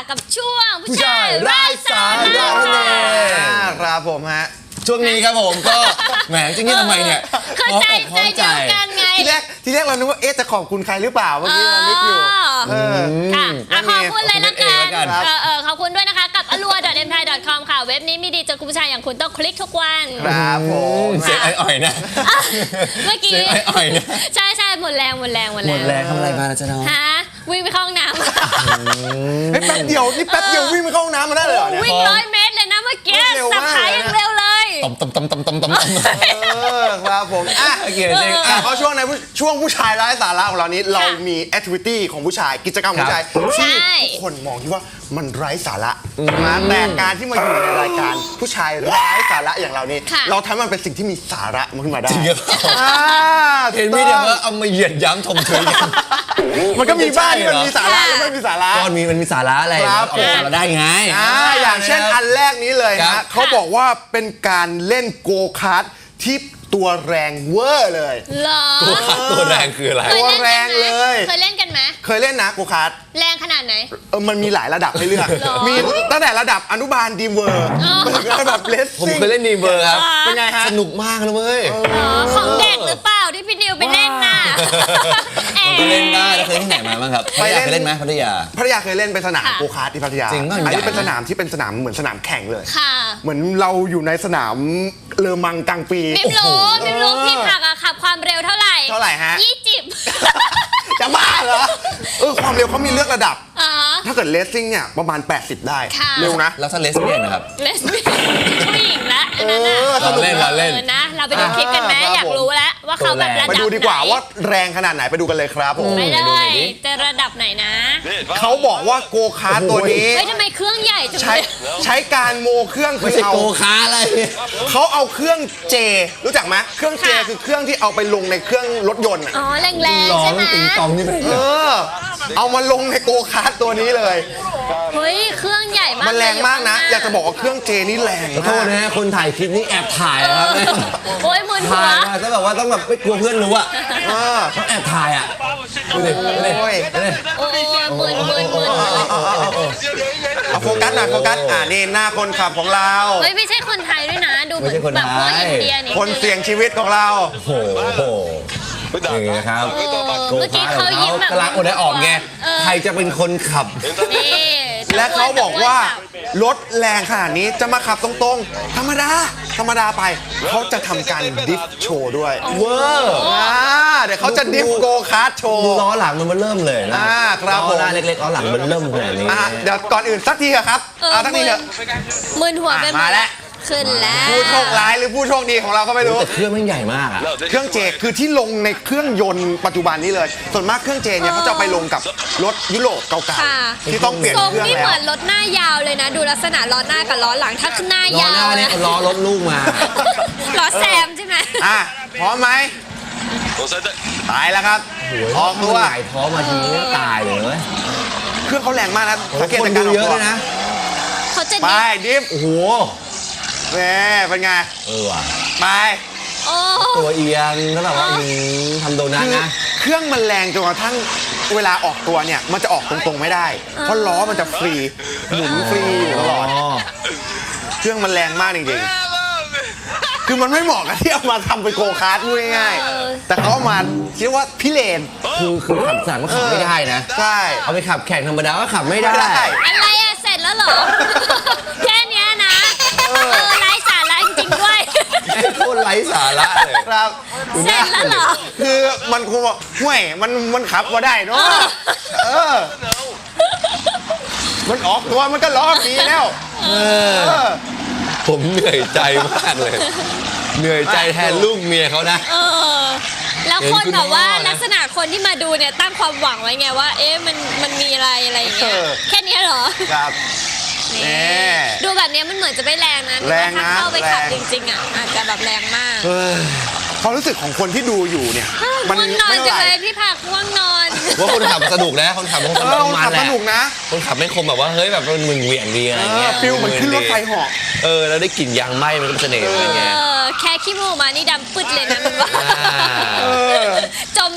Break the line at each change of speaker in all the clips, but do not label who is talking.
กับช่วงผู้ชายไร้สาระ
ครับผมฮะ
ช่วงนี้ครับผมก็แหมจริงๆทำไมเนี่ย
เข้าใจใจเดียวกันไง
ทีแรกเรานึกว่าจะขอบคุณใครหรือเปล่าเมื่อกี้เรานึกอยู่
ค่ะขอบคุณเลยละกัน
ครับ
ขอบคุณด้วยนะคะกับ allure.mthai.com ค่ะเว็บนี้มีดีจนคุณผู้ชายอย่างคุณต้องคลิกทุกวัน
ครับผม
เสียงอ่อยๆนะ
เมื่อกี้
เสียงอ่อยๆนะ
ใช่หมดแรง
หมดแรงทำอะไรมาล่ะจ๊ะน้อง
ฮะวิ่งไปเข้าห้องน้ำ
แป๊บเดียววิ่งไปเข้าห้องน้ำมาได้เลยเหรอเนี่ย
วิ่ง100 เมตรเลยนะเมื่อกี้
เร็ว
สับ
มาก
ขายังเร็วเลย
ตำ
ครับผม
โอเคจริง
เพราะช่วงผู้ชายไร้สาระของเรานี้เรามีแอคทิวิตี้ของผู้ชายกิจกรรมของผู้ชายที่ทุกคนมองที่ว่ามันไร้สาระนะแต่การที่มาอยู่ในรายการผู้ชายไร้สาระอย่างเรานี้เราทำให้มันเป็นสิ่งที่มีสาระขึ้นมาได้
จริงครับเห็นไม่ได้ว่าเอามาเหยียดย้ำชมเชยกัน
มันก็มีบ้างที่มันมีสาระและไม่มีสาระ
ก้อนมันมีสาระอะไร
ครับ
ออกสาระได้ไง
อย่างเช่นอันแรกนี้เลย
ครั
นะ
บ
เขาบอกว่าเป็นการเล่นโกคาร์ทที่ตัวแรงเวอร์เลย
เหรอ
ตัวแรงคืออะไร
ตัวแรงเลย
เคยเล่นกันไหม
เคยเล่นนะโกคาร์ท
แรงขนาดไหน
มันมีหลายระดับให้เลือก
หรอ
มีตั้งแต่ระดับอนุบาลดีมเวอร์
อ๋อ
ไปถึงระดับเลส
ผม
ซิ่ง
เคยเล่นดีเบอร์ครับ
เป็นไงฮะ
สนุกมากเลยเว้ย
อ๋อของเด็กหรือเปล่าที่พี่นิวไปเล่นน่ะ
ผมก็เล่นได้แล้วเคยที่ไหนมาบ้างครับพัทยาเคยเล่นไหมพัทยา
พัทยาเคยเล่นเป็นสนามโกคาร์ทที่พัทยา
จริงป่ะ
อันนี้
ใหญ่
เป็นสนามที่เป็นสนามเหมือนสนามแข่งเลย
ค่ะ
เหมือนเราอยู่ในสนามเลอมังกลางปี
มิมรู้พี่ผักอะขับความเร็วเท่าไหร่
เท่าไหร่ฮะ
20
จะบ้าเหรอความเร็วเขามีเลือกระดับ
อ๋อ
ถ้าเกิดเลสซิ่งเนี่ยประมาณ 80 ได้
ค่ะ
เร็วนะ
แล้วถ้าเลสเบี้ยนนะครับ
เลสเบี้ยนผู้หญิงละอันนั้นน่ะ
เราเล่น
นะ เราไปดูคลิปกันไหม
ครับ
อยากรู้แล้วว่าเขาแบบระดับ
ไป
ไหน
ดูดีกว่าว่าแรงขนาดไหนไปดูกันเลยครับผม
ไปเล
ดูหน่อย
ย
ดิ
จะระดับไหนนะ
เขาบอกว่าโกคาร์ทตัวนี้
เฮ้ยทำไมเครื่องใหญ่จัง
ใช้
เลย
ใช้การโมเครื่อง
ไม่
คือ
ใช่
เอา
โกคาร์อะไร
เขาเอาเครื่องเจรู้จักไหมเครื่องเจคือเครื่องที่เอาไปลงในเครื่องรถยนต์อะ
อ๋อแรง
ร้อ
ๆใช่
ง
ไหม
ติงตองนี่ไป
เอามาลงในโกคาร์ทตัวนี้เลย
เฮ้ยเครื่องใหญ่มาก
มันแรงมากนะ อยากจะบอกว่าเครื่องเจนี่แรง
ขอโทษนะฮะคนถ่ายคลิปนี้แอบถ่ายนะครับ
โอ้ยมึนหั
ถ่ายว มาต้องแบบว่าต้องแบบไม่กลัวเพื่อนรู้อ่ะ
เออ
ต้องแอบถ่ายอ่ะดูดิดูดิ
โอ้ย
ดูดิ
โอ้ยมึน
เอาโฟกัสหน่อยโฟกัสนี่หน้าคนขับของเรา
เฮ้ยไม่ใช่คนไทยด้วยนะ ดูเหมือนแบบพวกอินเดียนี่
คนเสี่ยงชีวิตของเรา
โอ้โหนี่นะครับ
เมื่อกี้เขายิ้มแบบ
กำลังอดได้ออกไงใครจะเป็นคนขับ
นี่
และเขาบอกว่ารถแรงขนาดนี้จะมาขับตรงๆ ธรรมดาไป เขาจะทำการดิฟโชว์ด้วย
เวอร์
เดี๋ยวเขาจะดิฟโกคาร์ทโชว์
ดูล้อหลังมันเริ่มเลยนะ
ครับผม
ล้อหน้าเล็กๆล้อหลังมันเริ่มขนาดนี้
เดี๋ยวก่อนอื่นสักทีเถอะครับสักทีเถอะ
มึนหัวไปหม
มา
ด
แล้ว
ขึ้นแล้ว
ผู้โชคร้ายหรือผู้โชคดีของเราก็ไม่รู้
แต่เครื่องมันใหญ่มากอ่ะ
เครื่องเจคือที่ลงในเครื่องยนต์ปัจจุบันนี้เลย ส่วนมากเครื่องเจเนี่ยเขาจะไปลงกับรถยุโรปเก่า
ค่ะ
ๆที่ต้องเปลี่ยน
ทรง
เครื่อง
นี่
แล้
เห
ว
มือนรถหน้ายาวเลยนะ ดูลักษณะล้อหน้ากับล้อหลังถ้าหน้า
ล้อย
า
หน้าว เนี่ย
นะ
ล้อรถลูกมา
ล้อแซมใช่ไหม
พร้อมไหมตายแล้วครับออกตัว
หงายท้องมาทีนี้ตายเลยเว้ย
เครื่องเขาแรงมากนะสังเกต
คน
จาก
ดู
การออก
เยอะ
ตัว
ด้วยนะ
เขาจะ
ไป
ดิฟ
ดิฟ
โอ้โห
แหมเป็นไง
ว่ะ
ไป
โอ้
ตัวเอียงแล้วแบบว่าทำโดนัท
คือ
นะ
เครื่องมันแรงจนกระทั่งเวลาออกตัวเนี่ยมันจะออกตรงๆไม่ได้ เพราะล้อมันจะฟรีหมุนฟรีอยู่ตลอด เครื่องมันแรงมากจริงๆ คือมันไม่เหมาะกับที่เอามาทำเป็นโกคาร์ทพูดง่ายๆ แต่เขาเอามาคิดว่าพิเรน
คือขับสั่งก็ขับไม่ได้นะ
ใช่
เอาไปขับแข่งธรรมดาก็ขับไม่ได้
ไม่ได้
อะไรอะเสร็จแล้วเหรอ แค่เนี้ยนะไร้สาระจริงๆด้วย
โคตรไร้สาระเลย
ครับ
เสร็จแล้วเหรอ
คือมันคงว่าห่วยมันขับมาได้เนาะมันออกตัวมันก็ล้อฟรีแล้ว
ผมเหนื่อยใจมากเลย เหนื่อยใจแทนลูกเมียเขานะ
แล้วคนแบบว่า
เห็นคุณพ่อนะ
ลักษณะคนที่มาดูเนี่ยตั้งความหวังไว้ไงว่า เอ๊ะมันมีอะไรอย่างเงี้ยแค่เนี้ยเหรอ
ครับ
นี่ดูแบบเนี้ยมันเหมือนจะไม่แรงนะ
แรงนะ
ถ้าเข้าไปขับ
แรง
จริงๆอ่ะอาจจะแบบแรงมาก
ความรู้สึกของคนที่ดูอยู่เนี่ย มัน
ง่วงนอน
ไม่
จัง
เท่า
เล
ไหร่
ยพี่ผักง่วงนอน
ว่าคนขับสนุกนะคนขับมัน
คนขับ
แหละ
สนุกนะ
คนขับไม่คมแบบว่าเฮ้ยแบบมันมึนเหวี่ยงดีอะไรเงี้ย
ฟิลเหมือนขึ้นรถไฟเหาะ
แล้วได้กลิ่นยางไหม้มันก็เป็นเสน่ห์อะไรเงี้ย
แค่ขี้มูกมานี่ดำปึ๊ดเลยนะมันว่าจมอยู่ในแบบ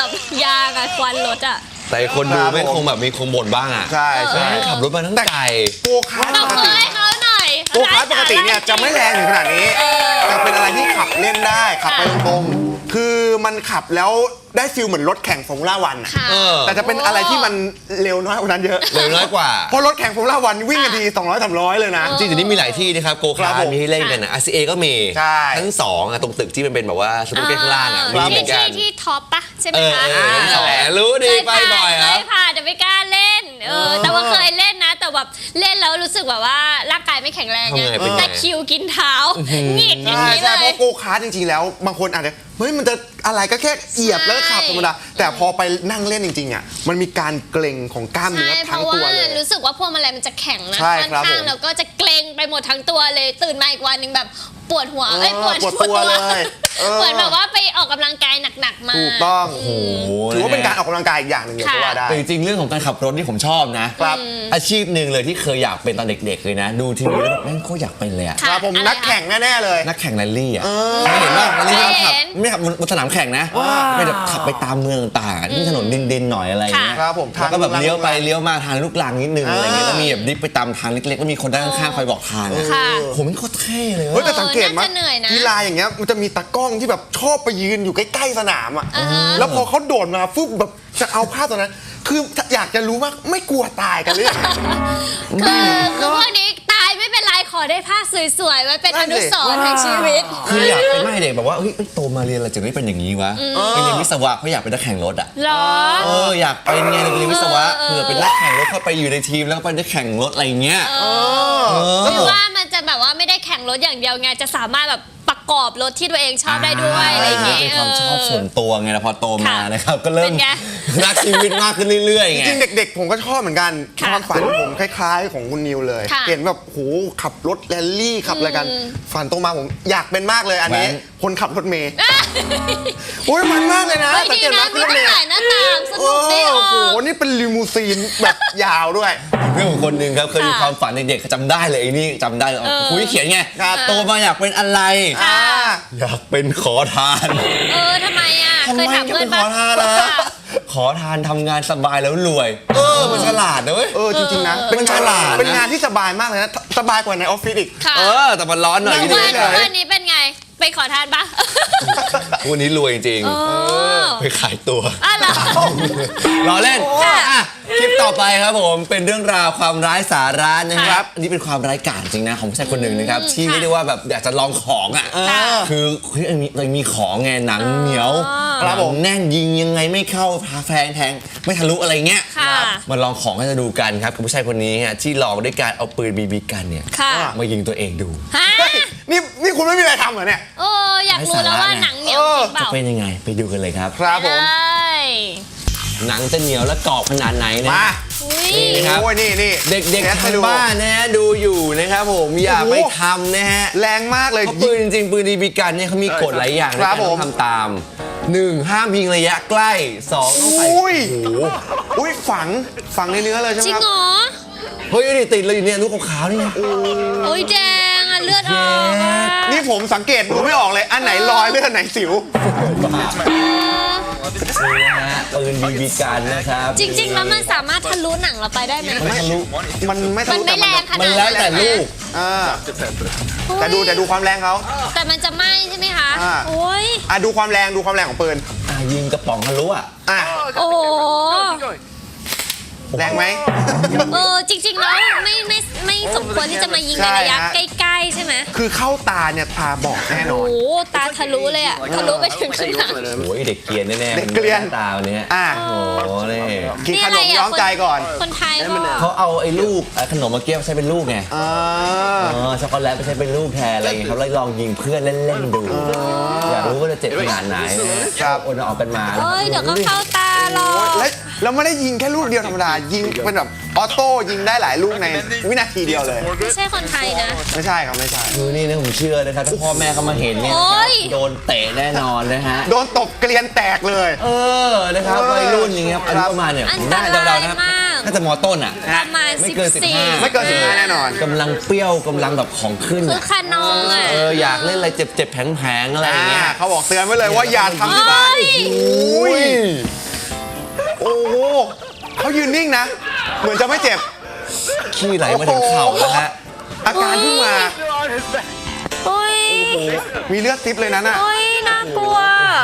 แบบยางอะควันรถอะ
แต่คนดูไม่คงแบบมีคงบ่นบ้างอ่ะ
ใช่ใช่
ขับรถมาทั้งไก่
โกคาร์ท
ต
ป
บ
ก
มื
ติ
อให้เขาหน่อย
โกคาร์ทปกติเนี่ยจะไม่แรงถึงขนาดนี้แต่เป็นอะไรที่ขับเล่นได้ขับไปตรงๆคือมันขับแล้วได้ฟิลเหมือนรถแข่งฟอร์มูล่าวันอะ
ค่ะ
เออ
แต่จะเป็นอะไรที่มันเร็วน้อยกว่านั้นเยอะ
เร็วน้อยกว่า
เพราะรถแข่งฟอร์มูล่าวันวิ่งกันที200-300เลยนะ
จริงๆเดี๋ยวนี้มีหลายที่นะครับโก
ครั
คา
บ
ร์
ผม
มีให้เล่นกันนะ RCA ก็มี
ใช่
ทั้งสองอะตรงตึกที่มันเป็นแบบว่าสมุทรข้างล่างอะมีเหมือนกัน
ที่ท็อปปะใช่ไหม
เออ
คะ
ทั้งสองรู้ดีไปบ่อยครับ
เคยผ่านแต่ไม่กล้าเล่นแต่ว่าเคยเล่นนะ แต่แบบเล่นแล้วรู้สึกแบบว่าร่างกายไม่แข็งแรงไง
ทำไงเป็นไง
แต่คิวกินเท้าหงิดอย่าง
ใช่
นี้
ใช่
เล
เพ
ย
ราะโกคาร์ทจริงๆแล้วบางคนอาจจะเฮ้ยมันจะอะไรก็แค่เหยียบแล้วก็ขับธรรมดาแต่พอไปนั่งเล่นจริงๆอ่ะมันมีการเกร็งของกล้าม
ใช่
เนื้อ
เพ
ทั้ง
ราะ
ตัว
ว่า
เลย
รู้สึกว่าพวงมาลัยมันจะแข็งนะ
ใช่
ค่อน
ครับ
ข้าง
ผม
แล้วก็จะเกร็งไปหมดทั้งตัวเลยตื่นมาอีกวันหนึงแบบปวดหัว
ปวดตัวเลยเออ
เหมือนแบบว่าไปออกกำลังกายหนักๆมา
ถูกต้อง
โอ้โห
ถือว่าเป็นการออกกำลังกายอีกอย่างหนึ่งเลยก็ว่าได้
แต่จริงๆเรื่องของการขับรถนี่ผมชอบนะครับ อาชีพหนึ่งเลยที่เคยอยากเป็นตอนเด็กๆเลยนะ ดูทีวีแล้วแบบแม่งโคตรอยากเป็นเลยอะ
ครับผม
อะไร
นักแข่งแน่ๆเลย
นักแข่งแรลลี่อ่ะเคยเห็นว่าแรลลี่
เคย
ขับ
เห็น
ไม่ขับบนสนามแข่งนะไม่แบบขับไปตามเมืองต่างๆที่ถนนดินๆหน่อยอะไรอย่างเงี้ย
ครับผม
แล้วก็แบบ
ทาง
เลี้ยวไปเลี้ยวมาทางลูกรังนิดนึงอะไรเงี้ย
อ่า
แล้วมีแบบดิฟไปตามทางเล็กๆแล้วมีคนด้านข้างๆคอยบอกทางอะ
ค่ะ
ผมมันโคตรเท่เลย
เฮ้ย
เว้ย
แต่สังเกตมั้
น่าจะเหนื่อยนะ
กีฬาอย่างเงี้ยมันจะมีตากล้องที่แบบชอบไปยืนอยู่ใกล้ๆสนามอ่ะ
อ่าฮะ
แล้วพอเขาโดดมาฟึบแบบจะเอาภาพตอนนั้น คืออยากจะรู้ว่าไม่กลัวตายกันหรือยัง
คือพวกนี้ตายไม่เป็นไรขอได้ภาพสวยๆไว้เป็นอนุสรณ์ในชีวิต
คืออยากเป็นไม่เด็กแบบว่าเฮ้ยโตมาเรียนอะไรจะไม่เป็นอย่างนี้วะไปเรียนวิศวะเพราะอยากเป็นนักแข่งรถอ่ะ
เหรอ
อยากเป็นไงเรียนวิศวะ
เออ
เผื่อเป็นนักแข่งรถเข้าไปอยู่ในทีมแล้วก็ไปได้แข่งรถอะไรอย่างเงี้ย
หรือว่ามันจะแบบว่าไม่ได้แข่งรถอย่างเดียวไงจะสามารถแบบประกอบรถที่ตัวเองชอบได้ด้วยอะไรอย่างเงี้ย
เป็นความชอบส่วนตัวไงแล้วพอโตมา
ค่ะ
นะครับก็เริ่ม
เป็นไง
รักชีวิตมากขึ้นเรื่อยๆ
จ
ไง
ริงๆเด็กๆ ผมก็ชอบเหมือนกัน
ค่ะ
ความฝันผมคล้ายๆ ของคุณนิวเลย
ค่ะ
เห็นแบบโหขับรถแรลลี่ขับอะไรกัน ฝันโตมาผมอยากเป็นมากเลยอันนี้
แว้น
คนขับรถเมย์โอ้ยมันมากเลยนะ
เฮ้ย
สัง
ดี
เกต
นะ
ว่า
มี
ขึ้นรถเมย์
ถ่ายหน้าต่างส
โอ้
นุกดีออ
โห
ก
นี่เป็นลิมูซีนแบบยาวด้วย
เรื่องของคนหนึ่งครับเคยมี
ค่ะ
ความฝันเด็กๆจำได้เลยไอ้นี่จำได้เลยคุยเขียนไง
ครับ
โตมาอยากเป็นอะไร
อ่า
อยากเป็นขอทาน
ทำไมอ่ะ
ทำ
เค
ไม
ยถาม
จะ
เพื่อ
เป็น นข
ปะ
อทานล่ะขอทานทำงานสบายแล้วรวยมันฉลาดนะเว้ย
จริงๆนะ
มันฉลาดนะ
เป็นงานที่สบายมากเลยนะสบายกว่าในออฟฟิศอีก
ค่ะ
แต่มันร้อนหน่อย
ทุ
พี่
ก
ดี
วัน
เล
ทุก
ย
วันนี้เป็นไงไปขอทานปะ
วันนี้รวยจริง
อ๋อ
ๆไปขายตัว
อ้าวเหรอ
รอเล่น
ค่ะ
อ่ะคลิปต่อไปครับผมเป็นเรื่องราวความร้ายสาระนะค
ครั
รับบ อันนี้เป็นความร้ายกาจจริงนะของผู้ชายคนหนึ่งนะครับที่เรียกได้ว่าแบบอยากจะลองของอ่ะ
ค่ะ
คือเฮ้ยมีของไงหนังเหนียว
ครับ
หนั
ผ
ง
ม
แน่นยิงยังไงไม่เข้าพาแฟงแทงไม่ทะลุอะไรเงี้ย
ค่ะ
มาลองของให้จะดูกันครับกับผู้ชายคนนี้ฮะที่ลองด้วยการเอาปืนบีบีกันเนี่ย
ค่ะ
มายิงตัวเองดู
ฮะ
เฮ้ยนี่คุณไม่มีอะไรทำเหรอเนี่ย
โอ้อยากรู้แล้วว่าหนังเหนียวจริงเป
จะ
ล่า
เป็นยังไงไปดูกันเลยครับ
ครับผม
ได้
หนังจะเหนียวและกรอบขนาดไหนนะ
มา
อุ้ย
นี่ครับ
โอ้ยนี่
เด็ก
แค
ๆ
ส
ทา
ให้
ง
ดู
บ้านนะฮะดูอยู่นะครับผมอย่า
โอ้โห
ไปทำนะฮะ
แรงมากเลย
เพราะปืนจริงๆปืนบีบีกันเนี่ยเขามีกฎหลายอย่าง
ครับ
ในการ
ผม
ทำตาม 1. ห้ามยิงระยะใกล้ 2. ต้องใส่
อุ้ย
โอ้โห
อุ้ยฝังในเนื้อเลยใช่ไหม
จริง
ครับ
เหรอ
เฮ้ยนี่ติดเลยอยู่เนี่ยลูกขาวๆนี่ไง
โอ้ยแดงอ่ะเลือดออกอ่ะ
นี่ผมสังเกตดูไม่ออกเลย อันไหนรอยเลือดอันไหนสิว
นี่นะฮะปืนบีบีกันนะครับ
จริงๆ แล้วมันสามารถทะลุหนังเราไปได้ไหม
มันทะลุ
มันไม่ทะ
มัน
ลุ
ไม่แรงขนาด
มันแล้วแต่ลูก
อ่าแต่ดูความแรงเขา
แต่มันจะไหม้ใช่ไหมคะ
อ่า
โอ้ย
ดูความแรงของปืน
ยิงกระป๋องทะลุอ่ะ
อ่ะ
โอ้โห
แรงไหม
จริงๆ แล้วไม่สมควรที่จะมายิงในระยะ
ใช่ฮะ
ใกล้ๆ ใช่ไหม
คือเข้าตาเนี่ยตาบอดแน่น
โอ้
อน
โหตาทะลุเลยอ่ะทะลุไปถึงขนาด
โอ้ยเด็กเกรียนแน่ๆ
เด็กเกรียน
ตาวันนี้
อ่ะ
โอ้โหนี่
กินขนมย้อมใจก่อน
คนไทยบอก
เขาเอาไอ้ลูกขนมมาเกี้ยวใช้เป็นลูกไง
อ่า
ช็อกโกแลตไปใช้เป็นลูกแทนอะไรอย่างเงี้ยครับแล้วลองยิงเพื่อนเล่นๆดู อยากรู้ว่าจะเจ็บขนาดไหนนะครับโอนออกกันมา
เอ้ยเดี๋ยวก็เข้าตาหรอก
แล้วไม่ได้ยิงแค่ลูกเดียวธรรมดา ยิงเป็นแบบออโต้ยิงได้หลายลูกในวินาทีเดียวเลย
ไม่ใช่คนไทยนะ
ไม่ใช่ครับไม่ใช่
คือนี่นะผมเชื่อนะครับถ้าพ่อแม่เขามาเห็นเนี่ย
โอ๊ย
โดนเตะแน่นอนนะฮะ
โดนตบเกลียนแตกเลย
นะครับวัยรุ่นอย่างเงี้ยอายุประมาณเนี่ย
อัน
ผม
ต
น่าร
าย
เดาๆนะครับ
มาก
น่าจะมอต้นอ่ะ
ประมาณ
ไม่เกิน
14
ไม่เกิน15แน่นอน
กำลังเปรี้ยวกำลังแบบของขึ้น
คือคานองอ่ะ
อยากเล่นอะไรเจ็บๆแผลงๆอะไรอย่างเงี้ย
เขาบอกเตือนไว้เลยว่าอย่าทำที่บ้าน
โอ้ย
อุ้ยงๆนะ เหมือนจะไม่เจ็บ
ขี้ไหลมาถึงเข่าแล้วฮะ
อาการเพิ่งมา
โอ้ย
มีเลือดซิปเลยนั้นอ่ะ
โอ้ยน่ากลัว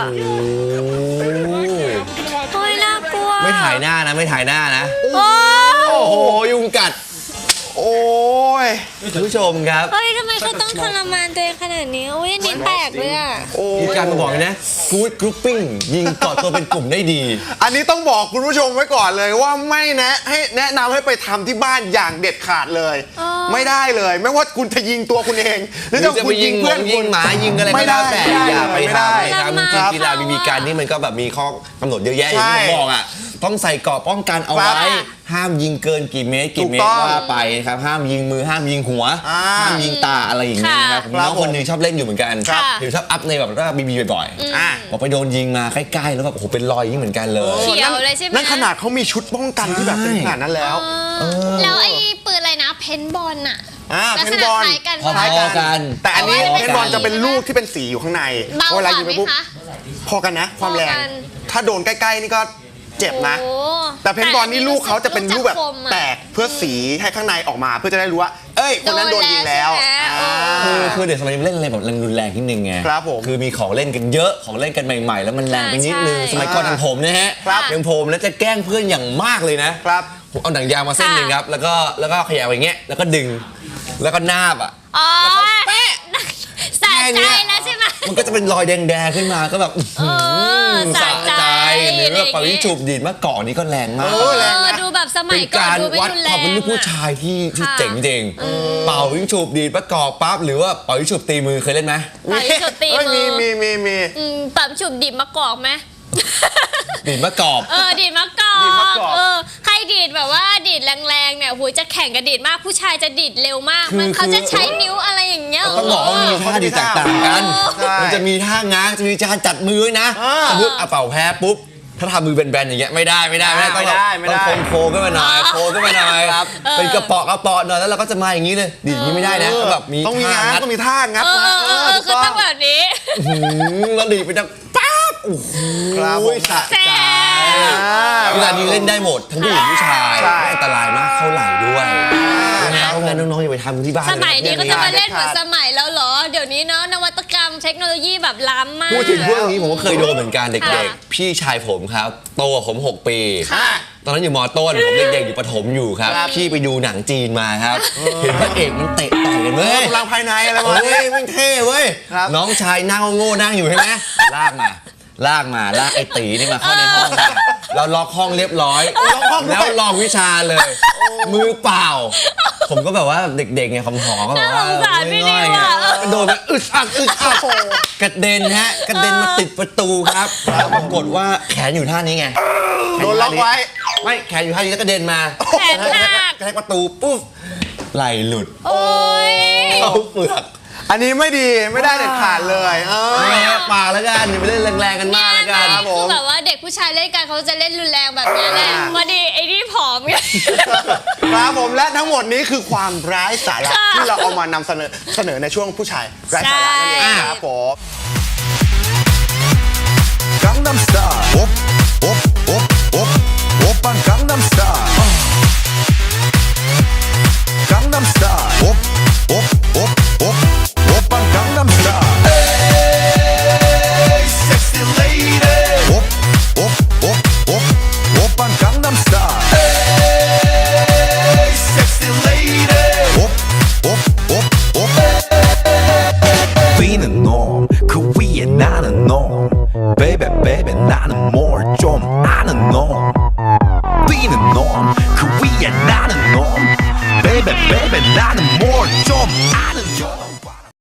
โอ้ยน่ากลัว
ไม่ถ่ายหน้านะไม่ถ่ายหน้านะ
โอ้
โอ้โหยุงกัด
โอ้ย
คุณผู้ชมครับ
เฮ้ยทำไมเขาต้องทรมานตัวเองขนาดนี้โอ้ยอันนี้แปลกเลยอ่ะ
โอ้
มีการมาบอกเลยนะ good grouping ยิงเกาะตัวเป็นกลุ่มได้ดี
อันนี้ต้องบอกคุณผู้ชมไว้ก่อนเลยว่าไม่แนะนำให้ไปทำที่บ้านอย่างเด็ดขาดเลย ไม่ได้เลย ไม่ว่าคุณจะยิงตัวคุณเอง หรือ
หรือ
จะ
จะ
คุ
ไป
ณ
ยิ
ยิ
ง
ง
เพื่
เพื่
อ
อน น
ยิงหมายิงอะไรก็
ไม่
ได้
ได้
แต่อย่าไป
ไม่ได้
ทำนะครับจริงๆกีฬาบีบีกันนี่มันก็แบบมีข้อกำหนดเยอะแยะอย่างที่ผมบอกอ่ะต้องใส่เกราะป้องกันเอาไว้ห้ามยิงเกินกี่เมตรว่าไปครับห้ามยิงมือห้ามยิงหัวห้ามยิงตาอะไรอย่างเงี้ยนะครับน้องคนหนึงชอบเล่นอยู่เหมือนกันเห็นชอบอัพในแบบว่าบีบีบ่อยๆบอกไปโดนยิงมาใกล้ๆแล้วแบบโอ้โหเป็นรอยอย่างนี้เหมือนกันเลย
เขียวเลยใช่ไหม
นั่นขนาดเขามีชุดป้องกันที่แบบเป็นขนาดนั้นแล้ว
แล้วไอ้ปืนอะไรนะเพนบอลน่ะ ลัก
เพ
ษ
น
ณะ
บอล
คล้ายกัน
พอ
ปะ
ๆกัน
แต่อันนี้
แต่ว่า
เพนบอลจะเป็นลูกที่เป็นสีอยู่ข้างใน
เบาก
เวลา
ว่า
ยิง
ไหม
ไปปุ๊บ
คะ
พอกันนะ ความแรง
พอกัน
ถ้าโดนใกล้ๆนี่ก็เจ็บนะ
โอ้
แต่เพนบอลนี่ลูกเขาจะเป็นลูกแบบ
จะคมอะ
แตกเพื่อสีให้ข้างในออกมาเพื่อจะได้รู้ว่า เอ้ยคนนั้นโดนยิงแล้ว
โดนแล้วใช่ไหม
คือเด็กสมัยนี้เล่นอะไรแบบรุนแรงนิดนึงไง
ครับผม
คือมีของเล่นกันเยอะของเล่นกันใหม่ๆ แล้วมันแรงไปนิดนึง
ใช่
สมัยก่อนอย่างผมนะฮะ
ครับ
อย่างผมแล้วจะแกล้งเพื่อนอย่างมากเลยนะครับ ผมเอาหนังยางมาเส้นหนึ่งครับแล้วก็ขยายไปอย่างเงี้ยแล้วก็ดึงแล้วก็นาบอ่ะ
อ๋อ
แปะ
สะใจแล้วใช่ไหม
มันก็จะเป็นรอยแดงๆขึ้นมาก็แบบ
สะใจ
หรือว่าปล่อยจูบดีดเมื่อก่อนนี้ก็แรงมาก
แรงนะ
ดูแบบสมั
เป็
ย
น
ก่อน
การ
ดูไม่
วัด
รุน
ค
แร
วาม
ง
เป็นลูกผู้
อะ
ชายที่
ค่ะ
เจ๋งจริงเป่าวิ่งจูบดีดมะกอกปั๊บหรือว่าเป่าวิ่งจูบตีมือเคยเล่นไหม
เป่ายิงฉุบตีมือ
มี
ปั๊มฉุบดิบมะกอกไหม
ดีดมะกอก
ดีดมะกอก
ดีดมะกอก
ใครดีดแบบว่าดีดแรงๆเนี่ยหูยจะแข่งกับดีดมากผู้ชายจะดีดเร็วมาก
คือ
มันเขาจะใช้นิ้วอะไรอย่างเงี้ย
ต้องบอกว่ามันมีท่าดีแตกต่างกัน
ใช่
มันจะมีท่าง้างจะมีการจัดมือด้วยนะ สมมติเอาเป่าแพ้ปุ๊บ ถ้าทำมือแบนๆอย่างเงี้ยไม่ได้ต้องแบบต้องโค้งขึ้นมาหน่อยโค้งขึ้นมาหน่อยครับเป็นกระเปาะหน่อยแล้วเราก็จะมาอย่างนี้เลยดีดอย่างนี้ไม่ได้นะก็แบบมี
ต้องมี
ท่า
ง้าง
งัด
ต้องมีท่างัดนะ
คือต้องแบบนี้
แล้วดีดไปดังป๊าบโอ้โห
ครับผม
สะ
แซ่
ใจ
บ
เวลานี้เล่นได้หมดทั้งผู้หญิงผู้ชาย
ใช่
ไม่อันตรายมากเข้าไหล่ด้วยนะเพราะงั้นน้องๆอย่าไปทำที่บ้าน
สมัยนี้ก็จะมาเล่นเหมือน
เด็ดขาด
สมัยแล้วเหรอ เดี๋ยวนี้เนาะนวัตกรรมเทคโนโลยีแบบล้ำมาก
พูดถึงพวกนี้ผมก็เคยโดนเหมือนกันเด็ก
ค่ะ
ๆ พี่ชายผมครับโตกว่าผม 6 ปี
ค่ะ
ตอนนั้นอยู่มต้นผมเด็กๆอยู่ประถมอยู่ครับ พี่ไปดูหนังจีนมาครับ เห็นพระเอกมันเตะต่อยกันเว้ย
กำลังภายในอะไรประมาณ
เฮ้
นี้
ยมันเท่เว้ย
ครับ
น้องชายนั่งโง่ๆนั่งอยู่ใช่ไหมลากไอ้ตีนี่มาเข้าในห้องมาเราล็อกห้องเรียบร้อย แล้วลองวิชาเลย มือเปล่า ผมก็แบบว่าเด็กๆไงคำหอก็แบบว่า
น่าสงสารพี่นิวอะ
กระโดดไปอึดอัดกระเด็นฮะกระเด็นมาติดประตูครับแล้วปรากฏว่าแขนอยู่ท่านี้ไง
โดนล็อกไว้
ไม่แขนอยู่ท่านี้แล้วกระเด็นมา
แขนหัก
กระแทกประตูปุ๊บไหล่หลุด
โอ้ย
เข้าเปลือก
อันนี้ไม่ดีไม่ได้เด็ดขาดเลย
ไม่ฮะปากแล้วกันอย่าไปเล่นแรงๆกันมากแล้วกัน
ครับผม
คือแบบว่าเด็กผู้ชายเล่นกันเขาจะเล่นรุนแรงแบบนี้แหละพอดีไอ้นี่ผอมไง
ครับผมและทั้งหมดนี้คือความร้ายสาระ
ค่ะ
ที่เราเอามานำเสนอในช่วงผู้ชายร้ายสาระนั่นเอง
ใช่
ครับผม
Gangnam Style op oppan Gangnam Style Gangnam Style op oppan Gangnam Style Hey sexy lady oppan Gangnam Style Hey sexy lady Being a norm 그 위에 나는 norm Baby baby 나는 more